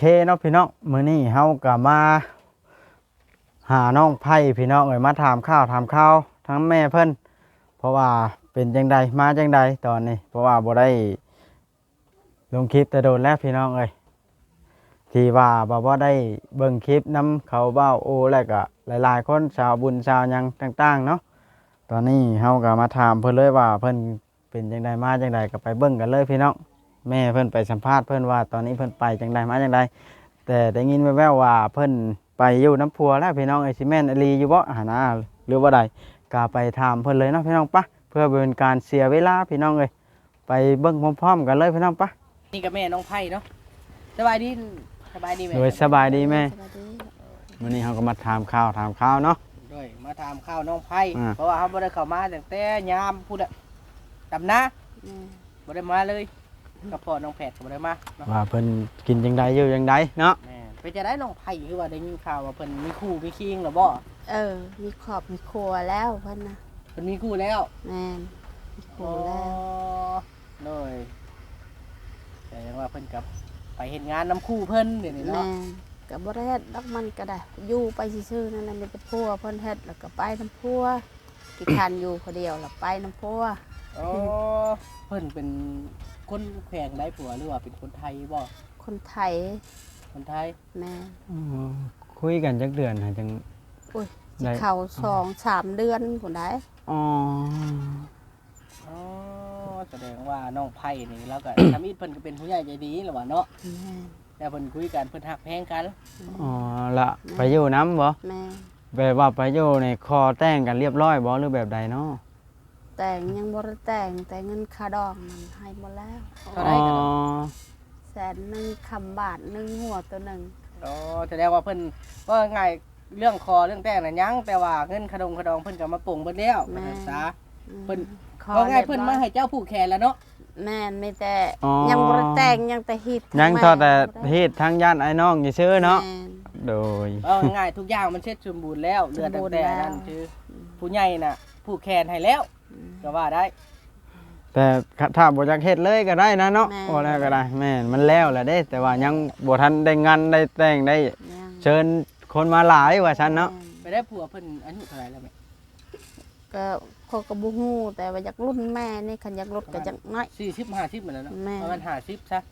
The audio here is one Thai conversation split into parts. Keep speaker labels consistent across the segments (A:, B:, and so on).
A: เนาะพี่น้องมื้อนี้เฮาก็มาหาน้องไผ่พี่น้องเอ้ยมาถามข้าวทั้งแม่เพิ่นเพราะว่าเป็นจังใดมาจังใดตอนนี้เพราะว่าบ่ได้ลงคลิปแต่โดนแล้วพี่น้องเอ้ยที่ว่าบ่ได้เบิ่งคลิปนํเขาเบ้าโอแล้วก็หลายๆคนชาวบุญชาวหยังต่างๆเนาะตอนนี้เฮาก็มาถามเพิ่นเลยว่าเพิ่นเป็นจังใดมาจังใดก็ไปเบิ่งกันเลยพี่น้องแม่เพิ่นไปสัมภาษณ์เพิ่นว่าตอนนี้เพิ่นไปจังใดมาจังใดแต่ได้ยินแว่วๆว่าเพิ่นไปอยู่น้ำพัวแล้วพี่น้องไอ้ซิแม่นอลีอยู่บ่หานะหรือว่าใดก็ไปถามเพิ่นเลยเนาะพี่น้องปะเพื่อเป็นการเสียเวลาพี่น้องเอ้ยไปเบิ่งพร้อมๆกันเลยพี่น้องปะ
B: นี่กับแม่น้องไผ่เนาะสบายดีแม่
A: โดยสบายดีแม่
C: สวัสดี
A: วันนี้เขาก็มาถามข่าวเนาะ
B: ด้วยมาถามข้าวน้องไผ่
A: อ่า
B: เพราะว่าเขาบ่ได้เข้ามาตั้งแต่ยามพูดอะดำนา
C: แม่
B: บ่ได้มาเลยกับพ่อน้องแพทย์ก็บ่ได้มาเนาะ
A: ว่าเพิ่นกินจังใดอยู่จังใดเนาะ
B: แม่ไปจะได้น้องไผ่คือว่าได้ยินข่าวว่าเพิ่นมีคู่มีคิงหรือบ่
C: มีขอบมีครัวแล้วเพิ่นนะ
B: เพิ่นมีคู่แล้ว
C: แม่นมีครัวแล้ว
B: เลยแต่ยังว่าเพิ่นกับไปเฮ็ดงานน้ำคู่เพิ่นเดี๋ยวนี้
C: แม่
B: เนาะ
C: นก็บ่ได้เฮ็ดดอกมันก็ได้อยู่ไปซื่อๆนั่นแหละมีแต่พัวเพิ่นเฮ็ดแล้วก็ไปน้ำพัวที่คันอยู่คนเดียวแล้วไปน้ำพัว
B: อ๋อเพิ่นเป็นคนแขวงได้ผัวหรือว่าเป็นคนไทยบ่
C: คนไทย
B: คนไทย
C: แม่
A: คุยกันจักเดือนหาจัง
C: อุ้ยสิ
A: ได้
C: เข้า2-3 เดือนพุ่นได้
A: อ๋อ
B: อ๋อแสดงว่าน้องไผ่นี่แล้วก็ ทำอีเพิ่นก็เป็นผู้ใหญ่ใจดีแหละว่าเนาะ
C: แม่
B: แต่เพิ่นคุยกันเพิ่นฮักแพงกัน
A: อ๋อละไปอยู่น้ำบ่
C: แม่
A: แบบว่าไปอยู่ในคอแต่งกันเรียบร้อยบ่หรือแบบใดเนาะ
C: แต่งยังบ่ได้แต่งแต่เงินค่าดองมันให้หมดแล้ว
B: เท่าไหร่กัน
C: 100,000คำบาทหนึงหัวตัวหนึง
B: อ๋อแสดงว่าเพิ่นว่าง่ายเรื่องคอเรื่องแต่งน่ะยังแต่ว่าเงินขดองเพิ่นก็มาปลงเบิดแล้วว่าซั่นซะ เพิ่น
C: ขอ
B: ว่าง่าย
C: รียบ
B: เพิ่น
C: ร้
B: มา
C: อย
B: ให้เจ้าผูกแขนแล้วเนาะ
C: แม่นไม่แต่
A: อ๋อ
C: ยังบ่ได้แต่งยังแต่ฮิต
A: ยังเท่าแต่เฮ็ดทั้งญาติไอ้น้องซื่อๆเนาะ
C: แม่น
A: โดย
B: ว่าง่ายทุกอย่างมันเสร็จสมบูรณ์แล้วเหลือตั้งแต่นั้น
C: สมบูรณ์แล้ว
B: คือผู้ใหญ่น่ะผูกแขนให้แล้วก็ว่าได้
A: แต่ถ้าบ่อยากเฮ็ดเลยก็ได้นะเนาะ
C: แม่
A: บ่แล้วก็ได้แม่นมันแล้วแหละเด้ แต่ว่ายังบ่ทันได้งานได้แต่งได้
C: ยัง
A: เชิญคนมาหลายว่าซั่นเนาะ
B: ไปได้ผัวเพิ่นอายุเท่าไหร่แล้วแม่
C: ก็เขาก็บ่ฮู้แต่ว่าอยากรุ่นแม่นี่คันอยากลดก็จักน้อย
B: 40 50เหมือนแล้วเนาะ
C: แม่
B: ประมาณ50ซะ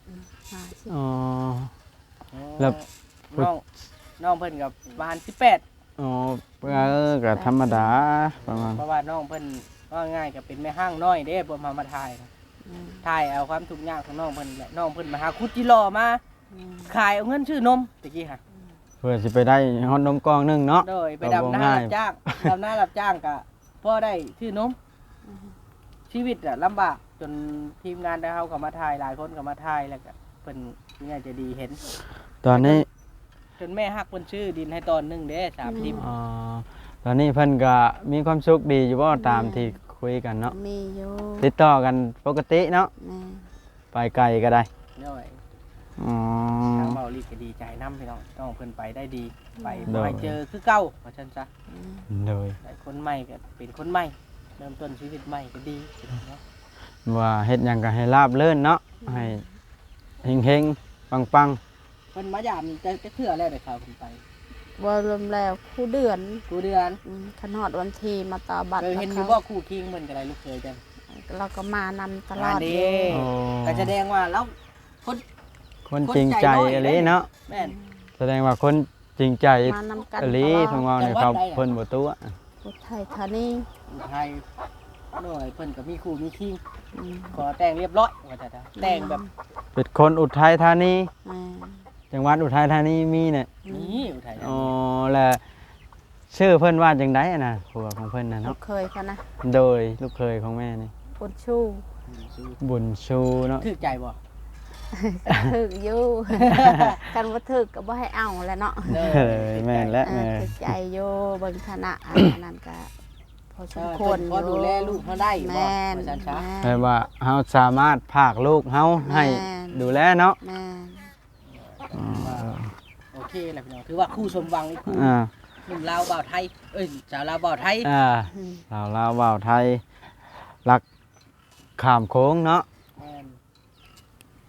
C: 50
A: อ๋อ แล้ว
B: น้องเพิ่นกับประมาณ18
A: อ๋อก็ธรรมดาประมาณ
B: เพราะว่าน้องเพิ่นว่าง่ายก็เป็นแม่ห้างน้อยเด้บ่มาถ่ายนะถ่ายเอาความทุกข์ยากของน้องเพิ่นแหละน้องเพิ่นมาหาคุดจิรอมาขายเอาเงินชื่อนมตะกี้ค่ะ
A: เพื่อสิไปได้ฮอดนมกล่องหนึงเนาะ
B: โดยไป
A: ก็บ่
B: ดำนา
A: ง่าย
B: รับจ้างดำนารับจ้างก็พอได้ชื่อนมชีวิตอะลำบากจนทีมงานได้เฮาก็มาถ่ายหลายคนก็มาถ่ายแล้วก็เพิ่นผู้ใหญ่ใจะดีเห็น
A: ตอนนี้
B: จนแม่ฮักเพิ่นชื่อดินให้ตอนหนึงเด้30
A: อ๋อตอนนี้เพิ่นก็มีความสุขดีอยู่บ่ตามที่คุยกันเนาะ
C: มีอยู่
A: ติดต่อกันปกติเนาะ
C: แม่
A: ไปไกลก็ได้
B: น้อย
A: อ๋อ
B: ทางเบาลีก็ดีใจนํพี่น้องน้องเพิ่นไปได้ดีไป
A: โด
B: บ่
A: ย
B: ให้เจอคือเก่าว่าซั่นซะ
A: เลย
B: ได้คนใหม่ก็เป็นคนใหม่เริ่มต้นชีวิตใหม่ก็ดีเนาะ
A: ว่าเฮ็ดหยังก็ให้ราบรื่นเนาะให้เฮงๆปัง
B: เพิ่นมายามจะเทื่อแล้วได้ข่าวเพิ่นไป
C: บ่รวมแล้วคู่เดือน
B: กูเดือน
C: คันฮอดวันที่มาต่อบัตร
B: เคยเห็นอยู่
C: กับ
B: บ่
C: เขา
B: คู่คิงเพิ่นก็ได้ลูกเคยจัง
C: เราก็มานำตลอด
B: อันนี้
C: เลย
A: ๆโอ้
B: ก็แสดงว่าแล้วคน
A: คนจริงใจอะไรเนาะ
B: แม่น
A: แสดงว่าคนจริงใจ
C: มานำกัน
A: อลี
C: ตล
A: เพิ่น
C: อด
A: ว่าเนี่ยเขาเพิ่นบ่ตัว
C: อุทัยธานี
B: ไทยหน่อยเพิ่นก็มีคู่มีคิง
C: อืม
B: ขอแต่งเรียบร้อยว่าแต่แต่งแบบ
A: เป็นคนอุทัยธานี
C: แม่
A: จังหวัดอุทัยธานีมีเนี่ย
B: นี้อุทัยธา
A: อ๋อ
B: นี
A: แล้วชื่อเพิ่นว่าจังได๋น่ะผัวของเพิ่นน่ะ
C: ลู
A: เนาะ
C: กเคยเขานะ
A: โดยลูกเคยของแม่นี่
C: ปุนชู
A: บุญชูเนาะ
B: ถือใจบ่
C: ถึกอยู่ กันว่าถึกก็บ่ให้เอาแหล้วเนาะ
B: เด้
A: เอ้ยแม่นและ
C: ถึกใจอยู่เบิ่งฐานะอันนั้นก็พอสมค
B: คว ว
C: ร
B: ร
C: อยู่
B: พอดูแลลูกเขาได้บ่
C: แม่น
B: ว่าซั่นซะ
A: แปลว่าเฮาสามารถพากลูกเฮาให้ดูแลเนาะ
C: แม่น
A: อ๋อ
B: โอเคแหละพี่น้องถือว่าคู่สมหวังอีกคู่
A: อ่า
B: หนุ่มลาวบ่าวไทยเอ้ยสาวลาวบ่าวไทย
C: อืม
A: ลาวว่าวไทย รักข้ามโค้งเนาะ
B: แม่น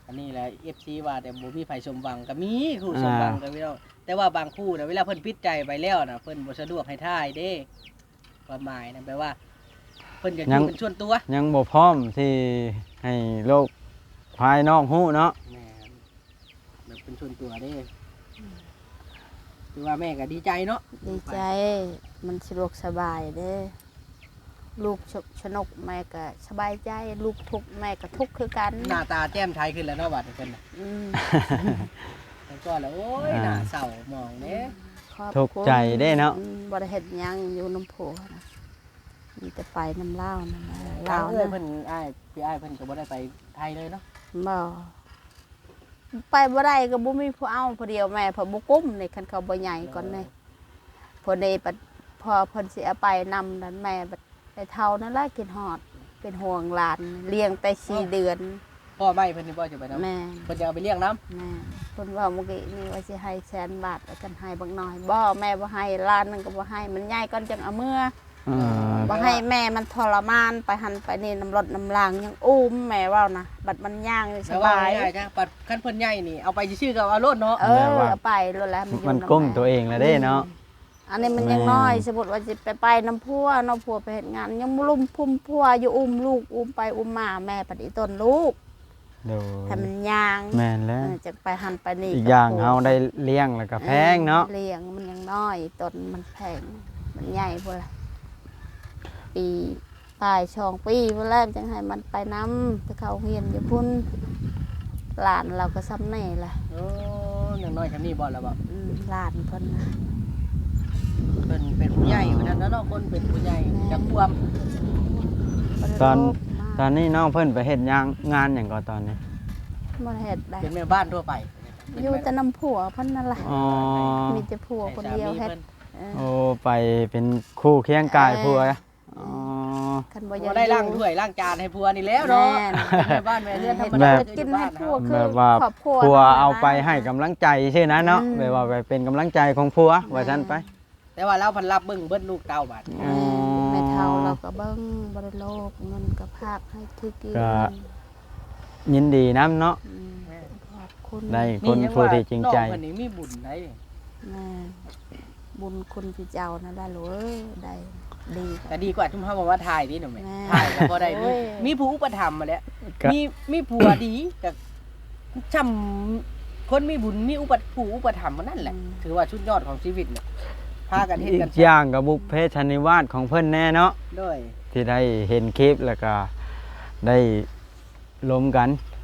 B: อันนี้แหละ FC ว่าแต่บ่มีไผสมหวังก็มีคู่สมหวังก็พี่น้องแต่ว่าบางคู่น่ะเวลาเพิ่นปิดใจไปแล้วน่ะเพิ่นบ่สะดวกให้ทายเด้ความหมายนั่นแปลว่าเพิ่นอยากอยู่เป็นส่วนตัว
A: ยังบ่พร้อมที่ให้โลกภายนอกฮู้เนาะ
B: แม่นแบบเป็นส่วนตัวเด้คือว่าแม่ก็ดีใจเนาะ
C: ดีใจมันสะดวกสบายเด้ลูกชนกแม่ก็สบายใจลูกทุกข์แม่ก็ทุกข์คือกัน
B: หน้าตาแจ่มใสขึ้นแล้วเนาะบัดนี้เพิ่นน่ะ
C: อืม
B: แต่ก่อนแล้วโอ้ยหน้าเศร้ามองเด้
C: ขอบ
A: ทุกข์
C: คุณ
A: ใจเด้เนาะ
C: บ่ได้เฮ็ดหยังอยู่น้ำโพนะมีแต่ไปน้ำเล่าวนั่นนะ
B: ลา
C: ลาว ว
B: เอ้ย
C: นะ
B: เพิ่นอ้ายพี่อ้ายเพิ่นก็บ่ได้ไปไทยเลยเนาะ
C: บ่ไปบ่ได้ก็บ่มีผู้เอาผู้เดียวแม่เพอบ่กุ้มนี่คันเขาบ่ใหญ่ก่อนนี่พอได้ปัดพอเพิ่นสิเอาไปนำนั้นแม่บัดไปเท่านั้นล่ะกินฮอดเป็นห่วงหลานเลี้ยงแต่4เดือน
B: พ่อไม่เพิ่นนี่บ่จะไปนำ
C: แม่
B: เพิ่นจะเอาไปเลี้ยงน้ำ
C: แม่เพิ่นว่าเมื่อกี้นี่ว่าสิให้100,000 บาทแล้วกันให้บักน้อยบ่แม่บ่ให้ล้านนึงก็บ่ให้มันใหญ่ก่อนจังเอาเมื่อ บ่ให้แม่มันทรมานไปหันไปนี่น้ำรถน้ำลางยังอุ้มแม่ว่านะบัดมันย่างนี่ส
B: แต่ว่า
C: บาย
B: ง่ายจ้ะปัดคันเพิ่นใหญ่นี่เอาไปซื่อๆก็เอาโลดเนาะ
C: เออเอาไปรถแล้วมันอยู่
A: มัน
C: ำ
A: ก้ม
C: แ
A: ตัวเองแล้วเด้เนาะ
C: อันนี้มันยังน้อยสมมุติว่าสิไปน้ำพัวน้ำพัวไปเฮ็ดงานยังลุ่มพุ่มพัวอยู่อุ้มลูกอุ้มไปอุ้มมาแม่ปฏิต้นลูก
A: โดย
C: ให้มันย่าง
A: แม่นแล้ว
C: จะไปหันไปนี่
A: อีกอย่างเฮาได้เลี้ยงแล้วก็แพงเนาะ
C: เลี้ยงมันยังน้อยต้นมันแพงมันใหญ่พุ่นล่ะปีปลาย2 ปีพุ่นแล้วจังให้มันไปน้ำไปเข้าเรียนอยู่พุ่นหลานเราก็ซ้ำแน่ล่ะ
B: โอ้อย่างน้อยคันนี้บ่แล้วบ่
C: หลานเพิ่นน่ะ
B: เพิ่นเป็นผู้ใหญ่ว่าซั่นเนาะคนเป็นผู้ใหญ่จักความ
C: บ่ได้
A: ตอน
C: โลภมาก
A: ตอนนี้น้องเพิ่นไปเฮ็ดงานหยังก่อนตอนนี้
C: บ่ได้เฮ็ดได้
B: เป็นแม่บ้านทั่วไป
C: อยู่แต่น้ำผัวเพิ่นนั่นล่ะ
A: อ๋อ
C: มีแต่ผัวคนเดียวเฮ็ดเออ
A: โอ้ไปเป็นคู่เคียงกายผัวอ๋อ
C: คันบ่
B: บ่
C: อยาก
B: ได้ล้าง
C: อยู่
B: ถ้วยล้างจานให้ผัวนี่แล้วเนาะ
C: แม่น
B: แม่บ้านแม่เรือนธรรม
A: แบ
B: ดา
A: บ
C: กินให้ผัวคือ
A: แบบว่า
C: ครอบครัว
A: ผัว
C: นั่นน่ะ
A: เอาไปให้กำลังใจใช่นะเนาะแบบว่าไปเป็นกำลังใจของผัวว่าซั่นไป
B: แต่ว่าเราเพันรับเบิ่งเบิดลูกเต้าบัด
C: แม่แม่เฒ่าเราก็เบิ่งบ่ได้โลภเงินก็พากให้ถือกิน
A: ก็ ยินดีนํเนาะ
C: อืมขอบคุณ
A: ได้คนผู้ที่จริงใจ
B: น้องเพิ่นนี่มีบุญได้
C: แม่บุญคุณพี่เจ้านั่นล่ะลูกเอ้ยได้ดี
B: ก็ดีกว่าทุ่มเฮาบ่มาถ่ายนี่หนูแม่
C: แม่
B: ถ่ายก็บ่ได้
C: โอ้ย
B: มีผู้อุปถัมภ์มาแล้ว
A: ก็
B: มีผัวดีก็ช่ำคนมีบุญมีผู้อุปถัมภ์มานั่นแหละ ถือว่าชุดยอดของชีวิตเนี่ยพากันเฮ็ด
A: อี
B: กัน
A: กอย่างกับบุพเพชนิวาสของเพิ่นแน่เนาะ
B: ด้วย
A: ที่ได้เห็นคลิปแล้วก็ได้ล้มกัน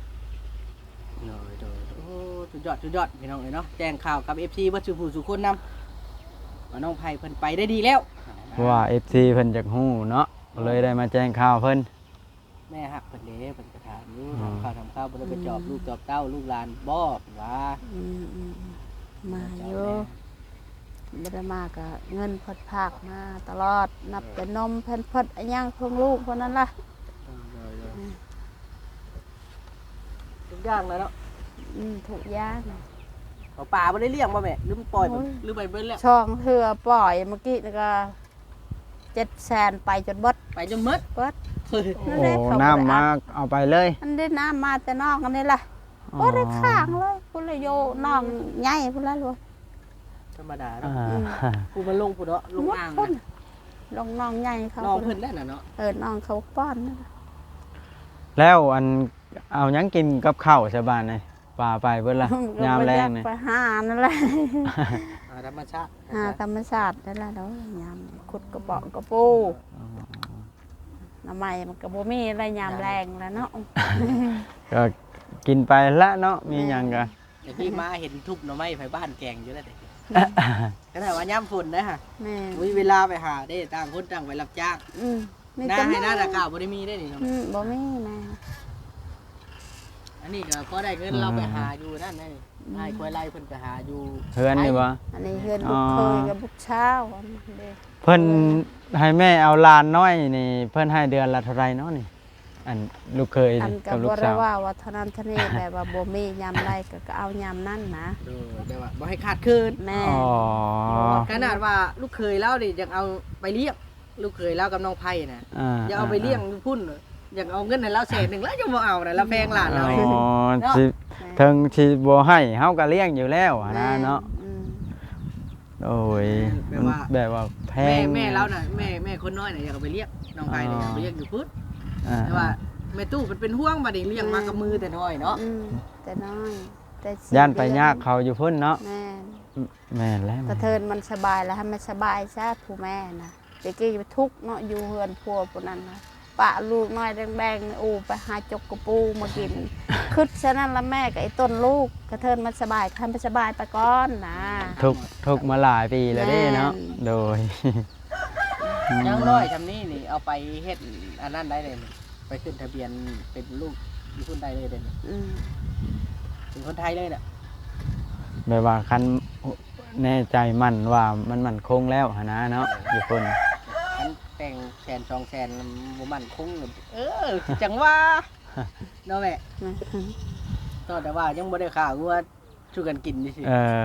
B: โอ้ชุดยอดพี่น้องเอ้ยเนาะแจ้งข่าวกับ FC บ่สุผู้สุคนนำว่าน้องไผเพิ่นไปได้ดีแล้ว
A: เพราะว่า FC เพิ่นจักฮู้เนาะเลยได้มาแจ้งข่าวเพิ่น
B: แม่ฮักเพิ่นเด้เพิ่นก็ถามอยู่
A: อ๋อ
B: ทำข้าวบ่ได้ไปจอบลูกจอบเต้าลูกหลานบ่ว่า
C: มาอยู่บ่ได้มาก็เงินเพิ่นพากมาตลอดนับแต่นมเพิ่นเพิ่นอันยังของลูกเพิ่นนั่นล่ะ
B: ทุกอย่างแล้วเนาะ
C: ทุกอย่าง
B: เอาป่าบ่ได้เลี้ยงบ่แม่หรือมันปล่อย
C: โอ้ย
B: หรือไปเบิ่นแล้ว
C: ช่องเทื่อปล่อยเมื่อกี้นี่ก็700,000ไปจนเบิด
B: ไปจนหมด
C: เบิด
A: โอ้น้ำมาเอาไปเลย
C: อันได้น้ำมาแต่นอกอันนี้ล่ะบ่ได้ข้างเลยพุ่นเลยโยน้องใหญ่พุ่นละลูก
B: ธรรมดา
A: อ่า
B: เนาะผู้มันลงผู้เนาะลงอ่าง
C: พุ่น
B: นะ
C: ลงน้องใหญ่เขา
B: น้องเพิ่นแล้วน่ะเนาะ
C: น้องเขาป้อนนั่นล่ะ
A: แล้วอันเอาหยังกินกับข้าวชาวบ้านนี่ป่าไปเบิดล่ะยามแรงนี่
C: ไปหานั่นแหละ
B: ธรรมชาติ
C: หาธรรมชาตินั่นแหละเนาะยามขุดกระเป๋ากระปูน้ำใหม่มันก็บ่มีอะไรยามแรงแล้วเนาะ
A: ก็กินไปละเนาะมีหยังก็
B: เดี๋ยวพี่มาเห็นทุบหน่อไม้ไผบ้านแกงอยู่แล้วเด็กก็ได้ว่ายามฝนนะฮะ
C: แม่
B: มีเวลาไปหาได้ต่างคนต่างไปรับจ้าง
C: มี
B: หน้า
C: แต่
B: ให้หน้าตะกร้าวบ่ได้มีได้นี่เนาะ
C: บ่มีแม่
B: อันนี้ก็พอได้เงินเราไปหาอยู่นั่นนี่ไอ้คอยไล่เพิ่นไปหาอยู่
A: เฮือนนี่บ่
C: อันนี้เฮือนบุกเคยกับบุกเช้าอันนี้เด้
A: เพิ่นให้แม่เอาหลานน้อยนี่เพิ่นให้เดือนละเท่าไหร่เนาะนี่อันลูกเคย
C: อันก็
A: กับลู
C: บ่
A: ก
C: ได้
A: สาว
C: ว่าเท่านั้นเท่านี้แบบว่าบ่มียามใดก็เอายามนั้นนะ
B: แต่ว่าบ่ให้ขาดคืน
C: แม่
A: อ๋อ
B: ขนาดว่าลูกเคยเล่าดิยังเอาไปเลี้ยงลูกเคยเล่ากับน้องไผ่น่ะ
A: อ่า
B: อย่าเอาไปเลี้ยงอยู่พุ่นอยากเอาเงินให้เราแสนหนึงแล้วจะบ่เอาน่ะเราแพงหลานเรา
A: อ๋
B: เอง
A: อ
B: เนาะ
A: สิเทิงสิบ่ให้เฮาก็เลี้ยงอยู่แล้วอะนะเนาะ
C: อืม
A: โอ้ยมันแบบว่าแพ
B: แม่
A: ง
B: เราน่ะแม่คนน้อยน่ะอยากเอาไปเลี้ยงน้องไผน่ะอยากเอาไปเลี้ยงอยู่พุทธ
A: อ่า
B: แต่ว่าแม่ตู้มันเป็นห่วงบัดนี้เลี้ยงมากับมือแต่น้อยเนาะ
C: อืมแต่น้อยแต่สิ
A: ย่านไปยากเขาอยู่พุ่นเนาะ
C: แม่น
A: แม่นแล้ว
C: กระเทินมันสบายแล้วให้มันสบายซะผู้แม่นะเด็กกี้ไปทุกข์เนาะอยู่เฮือนพัวพวกนั้นนะปะลูกน้อยแดงๆอูไปหาจกกระปูมากิน คึดฉะนั้นละแม่กับไอ้ต้นลูกกระเทินมันสบายให้มันสบายไปก่อนนะ
A: ทุกมาหลายปีแล้วเด้เนาะ
C: แม่น
A: โดย
B: ยังน้อยทำนี่นี่เอาไปเฮ็ดอันนั้นได้เลยนี่ไปขึ้นทะเบียนเป็นลูกมีคนใดเลยเด่น
C: อืม
B: เป็นคนไทยเลยน่ะ
A: แบบว่าคันแน่ใจมั่นว่ามันมั่นคงแล้วหนนะเนาะอยู่พุ่น
B: มันแต่งแสน2แสนบ่มั่นคงเลยจังว่าเนาะแม่ตอนแต่ว่ายังบ่ได้ข่าวว่าช่วยกันกินนี่สิ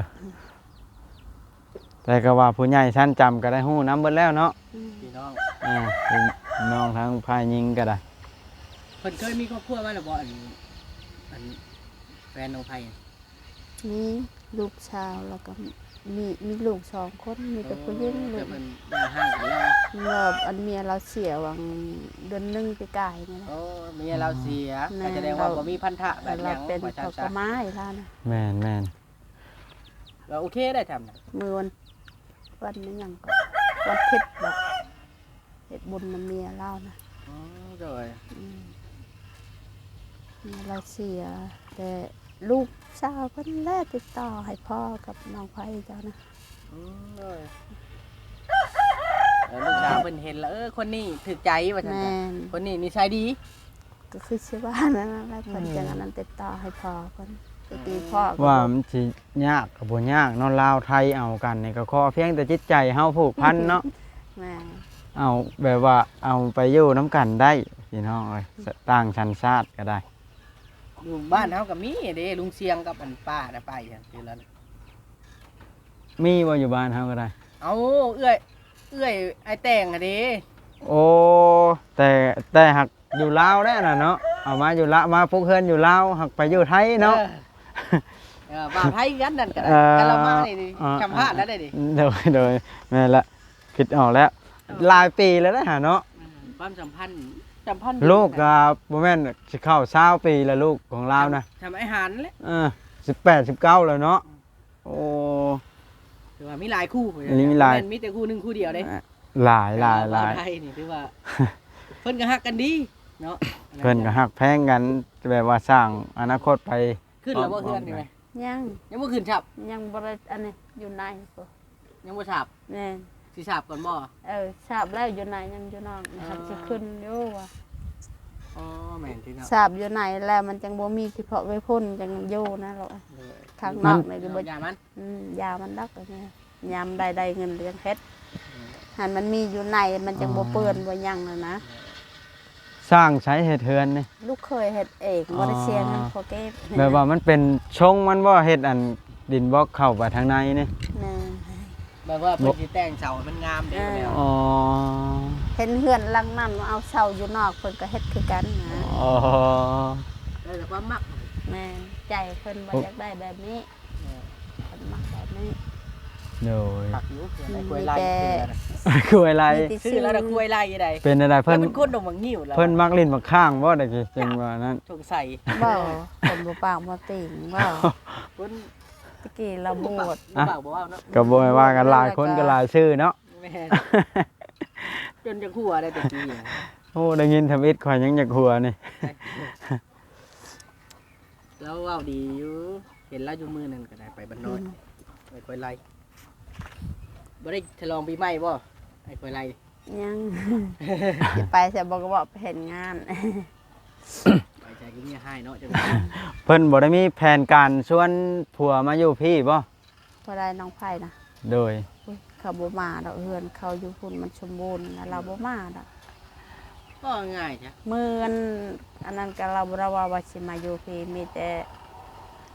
A: แต่ก็ว่าผู้ใหญ่ชั้นจำก็ได้ฮู้น้ำเบิดแล้วเนาะ
B: พี่น้อง
A: พี่น้องทั้งพายยิงก็ได้
B: เพิ่นเคยมีครอบครัวมาแล้วบ่อันแฟนน้องไผ
C: นี่ลูกชาวแล้วก็มีลูก2 คนมีแต่ผู้หญิงลู
B: แต่
C: ก
B: มันมาห่างกันแล้ว
C: รอบอันเมียเราเสียวังเดือนหนึงไปกายนี่นะ
B: โอ้เมียเราเสีย
C: แม่
B: ก็แสดงว่าบ่มีพันธะแบบห
C: เรา
B: ยัง
C: เป็น
B: ว่า
C: เขา
B: ซั่
C: ก็
B: น
C: ไม้แล้วนะ
A: แม่น
B: ๆเราโอเคได้ทำน่ะ
C: มือวันนี้ยังก็วันเพ็ดบอกเฮ็ดบุญน้ำเมียเล่านะ
B: อ๋อโดย
C: อืมเมียเราเสีย แต่ลูกสาวเพิ่นแลติดต่อให้พ่อกับน้องไผเจ้านะ
B: โดยลูกสาวเพิ่นเห็นแล้วคนนี้ถูกใจว่าซั่น
C: แม่
B: จ้ะ
C: น
B: คนนี้นิสัยดี
C: ก็คือชื่อว่านั่นแหละแล้วเพิ่นจังอันนั้นติดต่อให้พ่อเพิ่นตะกี้พ่อก็
A: ว่า
C: บอก
A: มันสิยากกับบ่ยากเนาะลาวไทยเอากันนี่ก็ขอเพียงแต่จิตใจเฮาผูกพันเนาะ
C: แม่
A: เอาแบบว่าเอาไปอยู่น้ำกันได้พี่น้องเอ้ยต่างชั้นชาติก็ได้
B: อยู่บ้านเฮาก็มีเด้ลุงเสียงกับอันป้าน่ะไปจังซี่แล้ว
A: มีบ่อยู่บ้านเฮาก็ได้
B: เอาเอื้อยไอ้แต่งอะเด้
A: โอ้แต่หักอยู่ลาวได้น่ะเนาะเอามาอยู่ละมาพวกเฮือนอยู่ลาวหักไปอยู่ไทยเนาะ
B: บ่าวไทยกันนั่นก็ได้
A: เอ่อ
B: กันเรามานี่ดิ
A: อ่า
B: จำพลาดแล้วได้ดิ
A: โดยแม่นละคิดออกแล้วหลายปีแล้วนะเนาะ
B: ความสัมพันธ์
A: ลูกกับบ่แม่นสิเข้า20ปีแล้วลูกของเรานะ
B: ทำอาหารแหละ
A: 18 19แล้วเนาะโอ้
B: ถือว่ามีหลายคู่
A: มีหลาย
B: มีแต่คู่หนึงคู่เดียวเด้
A: หลาย
B: บ่าวไทยนี่ถือว่า เพิ่นก็ฮักกันดีเนาะ
A: เพิ่นก็ฮักแพงกันแบบว่าสร้างอนาคตไป
B: ขึ้นแล้วบ่เฮือนนี่ไหม
C: ยัง
B: ยังบ่ขึ้นฉับ
C: ยังบ่ได้อันนี้อยู่ในพุ่น
B: ยังบ่ฉับ
C: แม่น
B: สิฉับก่อนบ่
C: ทราบแล้วอยู่ในยังอยู่นอกนะครับสิขึ้นอยู่ว่า
B: อ๋อแม่นที่เนาะ
C: ทราบอยู่ในแล้วมันจังบ่มีที่เพาะไว้พ่นจังอยู่นะหรอกข้างนอกนี่ก็บ่
B: อย่ามัน
C: ยามันดักอันนี้ยามใดๆเงินเลี้ยงเพชรหันมันมีอยู่ในมันจังบ่เปื้อนบ่หยังน่ะนะ
A: สร้างใช้เฮ็ดเฮือนนี่
C: ลูกเคยเฮ็ดเองบ่ได้เสียเงินพอเก็บ
A: แบบว่ามันเป็นชงมันบ่เฮ็ดอันดินบล็อกเข้าไปทางในนี่
C: แม่
B: แบบว่าเพิ่นสิแต่งเสาให้มันงามเด้แล้ว
A: อ๋อ
C: เห็นเฮือนหลังนั้นเอาเสาอยู่นอกเพิ่นก็เฮ็ดคือกันนะ
A: อ๋อ
B: แต่ความมัก
C: แม่ใจเพิ่นบ่อยากได้แบบนี้เพิ่นมักแบบนี้
A: โดย
B: ปักอยู่เพื่อนไอ้กล้วยไล่
A: คืออะไร
C: มีที่
B: ซื้อแล้วนะกล้วยไล่ยังไง
A: เป็นอะไร
B: เพิ่
A: เพิ่
B: น
A: น
B: เป็นคนดงมังงิ้วแล้ว
A: เพิ่นมักลิ้นมักข้างบ่ได้กี่จังว่านั้น
B: สงสัย
C: บ่เพิ่นบ่ปากบ่ติ่งบ่
B: เพิ่น
C: ตะกี้เราบวช
B: บ่าวบ่ว่าเนาะ
A: ก็บ่ให้ว่ากันหลายคนก็หลายชื่อเนาะ
B: แม่จนจะหัวได้แต่กี้
A: โอ้ได้ยินทำอิดข่อยยังอยากหัวนี่
B: แล้วว้าวดีอยู่เห็นแล้วอยู่มือนั่นก็ได้ไปบ้านน้อยไอ้กล้วยไล่บ่ได้ฉลองปีใหม่บ่ไอ้กล้วยไล่
C: ยัง สิไปแต่บ่ก็บอกไปเห็นงาน
B: ไปใจก็มีให้เนาะจัง
A: เพิ่นบ่ได้มีแผนการชวนผัวมาอยู่พี่บ่
C: บ่ได้น้องไผนะ
A: โดย
C: อุ๊ยเขาบ่มาดอกเฮือนเขาอยู่พุ่นมันสมบูรณ์แล้วเราบ่มาดอก
B: ก็ง่ายจ้ะ
C: มื้ออันนั้นก็เราบ่ได้ว่าสิมาอยู่พี่มีแต่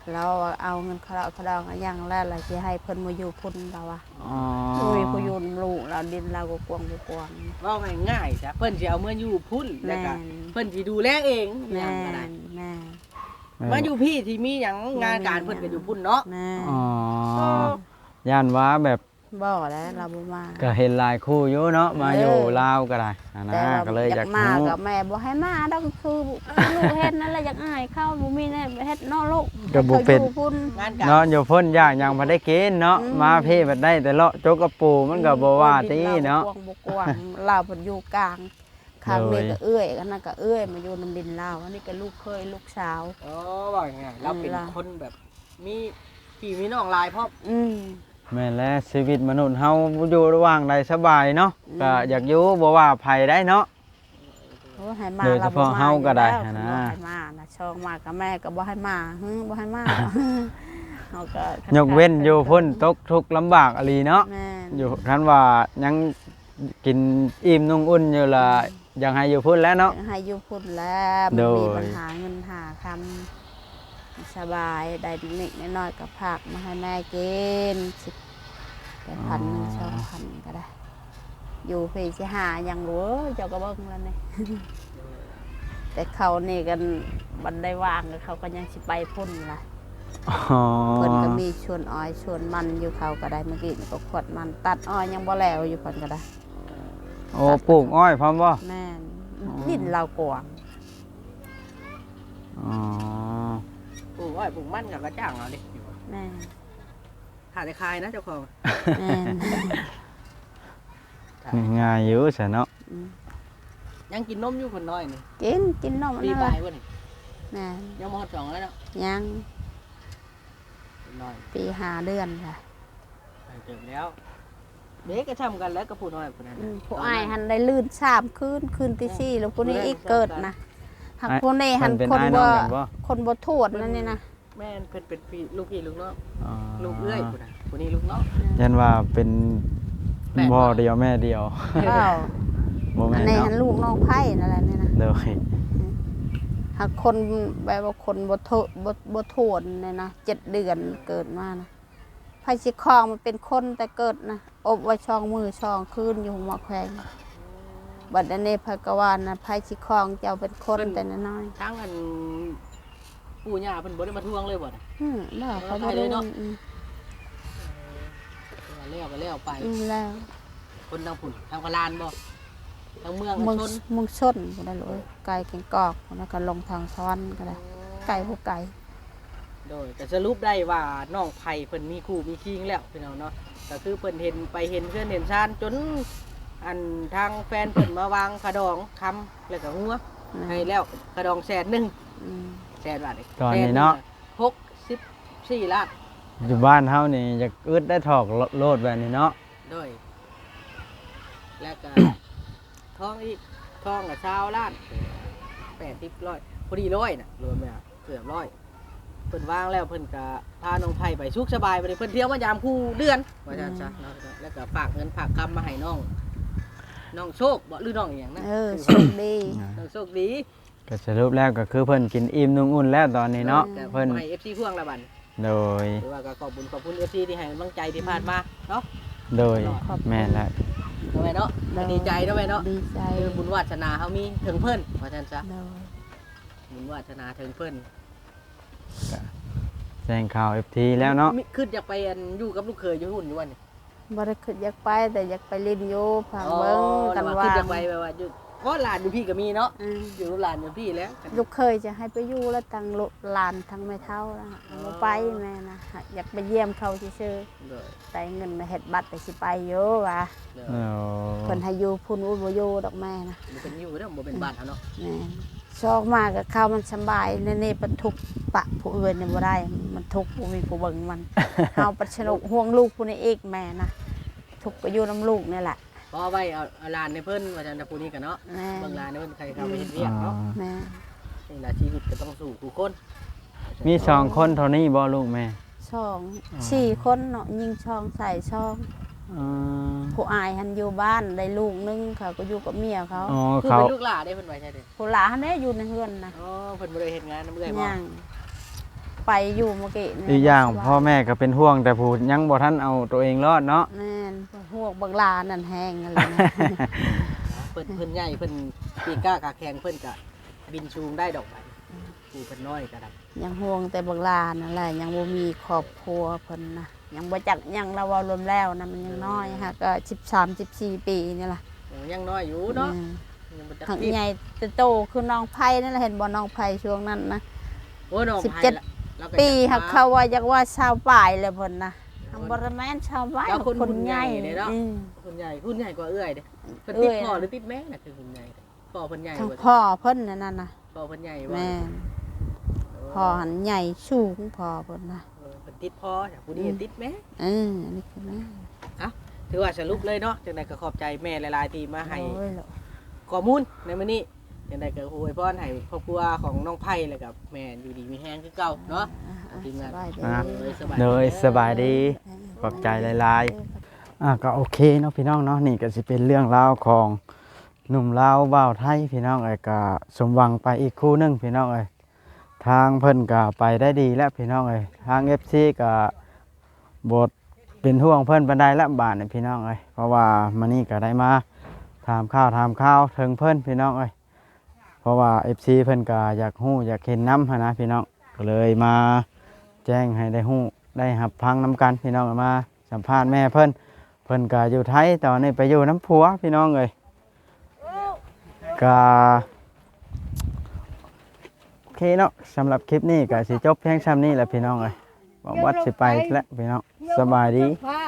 C: เราเอาเงินเขาดองอะอย่างแรกเลยที่ให้เพิ่นมาอยู่พุ่นเราอะ
A: อ๋อ
C: มีผู้อยูนลูกเราดินเราก็กวางบ่กวาง
B: เว้าง่ายๆจ้ะเพิ่นสิเอาเมื่ออยู่พุ่นแล้วก็
C: แม่น
B: เพิ่นสิดูแลเอง
C: แม่
B: อย่างก็ได้
C: แม่
B: มาอยู่พี่ที่มีหยังงานการเพิ่นก็อยู่พุ่นเนาะ
C: แม่
A: อ๋อย่านว่าแบบ
C: บ่แล้วเราบ่มา
A: ก็เห็นหลายคู่อยู่เนาะมาอยู่ลาวก็ได้นะ
C: แต่ว่า
A: ก็เลยอยาก
C: มา
A: รู้
C: กับแม่บ่ให้มาดอกคือลูกเฮ็ดนั่นแหละอยากอายเข้าบ่มีแน่เฮ็ดนอกลูก
A: ก็บ่เป็น
C: ขาอยู่พุ่น
B: งานการ
A: เนาะอยู่พ้นยากยังบ่ได้กินเนาะ
C: อืม
A: มาเพ่บัดได้แต่เลาะจกกระปูมันก็บ่ว่าติเนาะ
C: บ่กวางเราเพิ่นอยู่กลางข้างนี้
A: เลย
C: ก็เอื้อยอันนั้นก็เอื้อยมาอยู่นำดินเราอันนี้ก็ลูกเคยลูกสาว
B: อ๋อว่าง่ายๆเราเป็นคนแบบมีพี่มีน้องหลายพร้อม
C: อืม
A: แม่นแล้วชีวิตมนุษย์เฮาอยู่ระหว่างใดสบายเนาะ
C: อืม
A: ก็อยากอยู่บ่ว่าภัยได้เนาะ
C: โอ้ให้มา
A: โดยเฉพาะเฮาก็ได้นะ
C: บ่ให้มานะช่องมากับแม่ก็บ่ให้มาบ่ให้มาเฮาก็
A: ยกเว้นอยู่พ้นตกทุกข์ลำบากอหลีเนาะ
C: แม่น
A: อยู่คันว่ายังกินอิ่มนุ่งอุ่นอยู่ล่ะยังให้อยู่พุ่นแล้วเนาะ
C: ให้อยู่พุ่นแล้วมัน
A: โดย
C: มีปัญหาเงินหาคำสบายได้นิดๆน้อยๆก็ผักมาให้แม่กิน10 1,000 2,000ก็ได้ อยู่พี่สิหาหยังรู้เจ้าก็เบิ่งแล้วนี่ แต่เขานี่กันบันได้วางก็เขาก็ยังสิไปพุ่นล่ะ
A: อ๋อ
C: เพิ่นก็มีชวนอ้อยชวนมันอยู่เขาก็ได้เมื่อกี้นี่ก็ขวดมันตัดอ้อยยังบ่แล้วอยู่เพิ่นก็ได้
A: โอ้ปลูกอ้อยพร้อมบ่
C: แม่นดินเรากวาง
A: อ๋อ
B: ปลูกอ้อยปลูกมันกับกระจ้างเอาดิ
C: แม่น
B: ถ้าได้คายนะเจ้าของ
C: แม่น
A: ง่ายอยู่ซะเนาะ
C: อืม
B: ยังกินนมอยู่คนน้อยนี่
C: กินนมอัน
B: ปี
C: นั้น
B: ปลา
C: ล่ะ
B: ยวะนี่
C: แม่น
B: ยังมอดสองแล้วเนาะ
C: ยัง
B: คนน้อย
C: ปี5 เดือนค่ะ
B: ไปเจอแล้วเด็กก็ทำกันแล้วกับผู้น้อยคนนั้น
C: ผู้อ้ายหันได้ลื่น3คืนที่4แล้วผู้นี้อีกเกิดนะหักผู้นี้หัน
A: มัเป็น
C: คน
A: อ้าย
C: บ่
A: องกันบ่
C: คนบ่โทษนั่นนี่นะ
B: แม่นเพิ่นเป็นพี่ลูกพี่ลูกน้อง
A: อ๋อ
B: ลูกเอื้อยคนนั้นคนนี้ลูกน้อง
A: ยันว่าเป็น
B: แปด
A: พ่อเดียวแม่เดียว
C: เอ้า
A: บ่
C: อั
A: แม่
C: น
A: น
C: นี้
A: เนาะ
C: หันลูกน้องไผ่นั่นแหละนี่นะ
A: โดย
C: หากคนแบบว่าคนบ่โทษเนี่ยนะ7 เดือนเกิดมานะไผ่สิคลองมันเป็นคนแต่เกิดนะอบไว้ช่องมือช่องคืนอยู่หมอแขวงบัดอันนี้พระกวานนะไผ่สิคลองเจ้าเป็นคนแต่น้อย
B: ทั้งอันปู่ย่าเพิ่นบ่ได้มาทวงเลยบ่น่ะ
C: บ่เขา
B: ไป
C: บ่
B: เล
C: ได้
B: ยเนาะ
C: อืม
B: แล้วก็แล้วไป
C: แล้ว
B: คนทางผุ่นทางพลานบ่ทางเมือง
C: เมือง
B: ชน
C: เมืองชนบ่ได้เลยไก่แกงกอกแล้วก็ลงทางซ้อนก็ได้ไก่บ่ไก่
B: โดยแต่สรุปได้ว่าน้องไผ่เพิ่นมีคู่มีคิงแล้วพี่น้องเนาะก็คือเพิ่นเห็นไปเห็นเพื่อนเห็นชานจนอันทางแฟนเพิ่นมาวางขะดองคำแล้วก็หัวให้แล้วขะดอง100,000
C: อืม
B: 100,000 บาท
A: ตอนนี้เนาะ
B: 64ล้าน
A: อยู่บ้านเฮานี่อยากอึดได้ถอกโลดแบบนี้เนาะ
B: โดยแล้วก็ ทองอีกทองกับ20 ล้าน80 100พอดี100น่ะรวมแล้วเกือบ100เพิ่นวางแล้วเพิ่นก็พาน้องไผ่ไปสุขสบายไปเลยเพิ่นเที่ยวมายามคู่เดือนว่าซั่นซะเนาะแล้วก็ฝากเงินฝากคำมาให้น้องโชคบ่หรือน้องอีหยังนะ
C: โชคดี
B: น้องโชคดี
A: ก็สรุปแล้วก็คือเพิ่นกินอิ่มนุ่งอุ่นแล้วตอนนี้เนาะ
B: แต่
A: เพิ่น
B: ให้ FC พ่วงละบัด
A: โดย
B: หรือว่าก็ขอบคุณ FC ที่ให้กำลังใจที่ผ่านมาเนาะ
A: โดยแม่นแล้ว
B: ทำไมเนาะดีใจเนาะแม่เนาะ
C: ดีใจ
B: คือบุญวาสนาเฮามีถึงเพิ่นว่าซั่นซะ
C: โดย
B: บุญวาสนาถึงเพิ่น
A: แจ้งข่าว FT แล้วเนาะ
B: มีขึ้นอยากไปอันอยู่กับลูกเขยอยู่หุ่นอยู่วันนี้
C: บ่ได้คิดอยากไปแต่อยากไปเล่นอยู่ผังเบิ่งกัน
B: แต่
C: ว่า
B: ขึ้นอยากไปแบบว่าอยู่เพราะหลานอยู่พี่ก็มีเนาะ
C: อืม
B: อยู่กับหลานอยู่พี่แล้ว
C: ลูกเคยจะให้ไปอยู่แล้วทางลูกหลานทางแม่เฒ่านะบ่ไปแม่นะอยากไปเยี่ยมเขาซื่อ
B: เด้อ
C: ๆแต่เงินมาเฮ็ดบัตรก็สิไปอยู่ว่า
B: เด้อ
A: โอ้
C: เพิ่นให้อยู่พุ่นบ่อยู่ดอกแม่นะ
B: บ่เป็นอยู่เด้อบ่เป็นบ้านเฮาเนาะ
C: แม่ชอกมากกับข้าวมันสำบายในนี่ปันทุกข์ปะผู้อื่นเนี่ยบ่ได้ มันทุกข์บ่มีผู้เบิ่งมัน เฮาปัดชนกห่วงลูกผู้นี้อีกแม่นะทุกข์ก็อยู่นํลูกนี่แหละ
B: พอไว้เอาหลานในเพิ่นว่าจันทผู้นี้กันเนาะ
C: แม่
B: เบิ่งหลานในเพิ่นใครเข้าไปเฮ็ดเวียกเนาะ
C: แม่
B: นี่ล่ะชีวิตก็ต้องสู้ผู้คน
A: มี2คนเท่านี้บ่ลูกแม่
C: ช่องสี่คนเนาะยิงช่องใส่ช่อง
A: อ๋อ
C: ผู้อายหันอยู่บ้านได้ลูกนึงเขาก็อยู่กับเมียเขา
A: อ๋อ
B: คือ
A: เขา
B: เป็นลูกหลานได้เพิ่นไว้ใช่เด้อ
C: ผู้หลานเนี่ยอยู่ในเฮือนนะ
B: อ๋อเพิ่นบ่ได้เฮ็ดงานนำเอื้อยบ่
C: ยังไปอยู่เมื่อกี้นี่
A: อีกอย่างพ่อแม่ก็เป็นห่วงแต่ผู้ยังบ่ทันเอาตัวเองรอดเนาะ
C: แม่นพวกบักลานั่นแห้งอะไรนะ
B: เพิ่นใหญ่เพิ่นปีกล้ากาแข็งเพิ่นก็บินชูงได้ดอกไปผู้เพิ่นน้อยก็ได้
C: ยังห่วงแต่บักลานั่นแหละยังบ่มีครอบครัวเพิ่นนะยังบ่จักยังเราเว้ารวมแล้วนะมันยังน้อยฮะก็13-14 ปีนี่ล่ะ
B: ยังน้อยอยู่เนาะ
C: อืม
B: ยังบ่จัก
C: ทาง
B: รีบ
C: ใหญ่แต่โตคือน้องไผ่นั่นแหละเห็นบ่น้องไผ่ช่วงนั้นนะ
B: โอ้ยน้อง
C: 17
B: ละเราก็
C: ปี
B: จั
C: หักเขาว่าอยากว่าชาวป่ายเลยเพิ่นนะทางบ่ได้แม่นชาวบ้าน
B: แล้วคน
C: คนใหญ่
B: เด้เนาะ
C: อืม
B: คนใหญ่กว่าเอื้อยเด้เพิ่น
C: เอื้
B: ติด
C: อย
B: พ่อหรือติดแม่น่ะคือคนใหญ่พ่อเพิ่นใหญ่
C: ทาง
B: กว่า
C: พ่อเพิ่นนั่นน่ะ
B: พ่อเพิ่นใหญ่ว่า
C: แม่นพ่อหันใหญ่สูงพ่อเพิ่นนะ
B: เพิ่นติดพ่อจากผู้นี้ติดแม่
C: อันนี้คือแม่
B: ถือว่าสรุปเลยเนาะจังไดก็ขอบใจแม่หลายๆที่มาให้
C: โอ้ยเหรอ
B: ข้อมูลในมื้อนี้จังไดก็อวยพรให้ครอบครัวของน้องไผ่แล้วกับแม่อยู่ดีมีแฮงคือเก่าเนาะ ทีมงาน
C: สบายดี
A: โดยสบายดีขอบใจหลายๆก็โอเคเนาะพี่น้องเนาะนี่ก็สิเป็นเรื่องราวของหนุ่มลาวบ่าวไทยพี่น้องเอ้ยก็สมหวังไปอีกคู่หนึงพี่น้องเอ้ยทางเพิ่นก็ไปได้ดีแล้วพี่น้องเอ้ยทาง FC ก็บทเป็นห่วงเพิ่นปานใดละบาดนี่พี่น้องเอ้ยเพราะว่ามื้อนี้ก็ได้มาถามข่าวถึงเพิ่นพี่น้องเอ้ยเพราะว่า FC เพิ่นก็อยากฮู้อยากเห็นน้ำหั้นนะพี่น้องก็เลยมาแจ้งให้ได้ฮู้ได้รับฟังน้ำกันพี่น้องมาสัมภาษณ์แม่เพิ่นก็อยู่ไทยตอนนี้ไปอยู่น้ำผัวพี่น้องเอ้ยก็โอเคเนาะสำหรับคลิปนี้ก็สิจบเพียงซ้ำนี้แหละพี่น้องเอ้ยหวังว่าสิไปแล้วพี่น้องสบายดี
C: ไผ่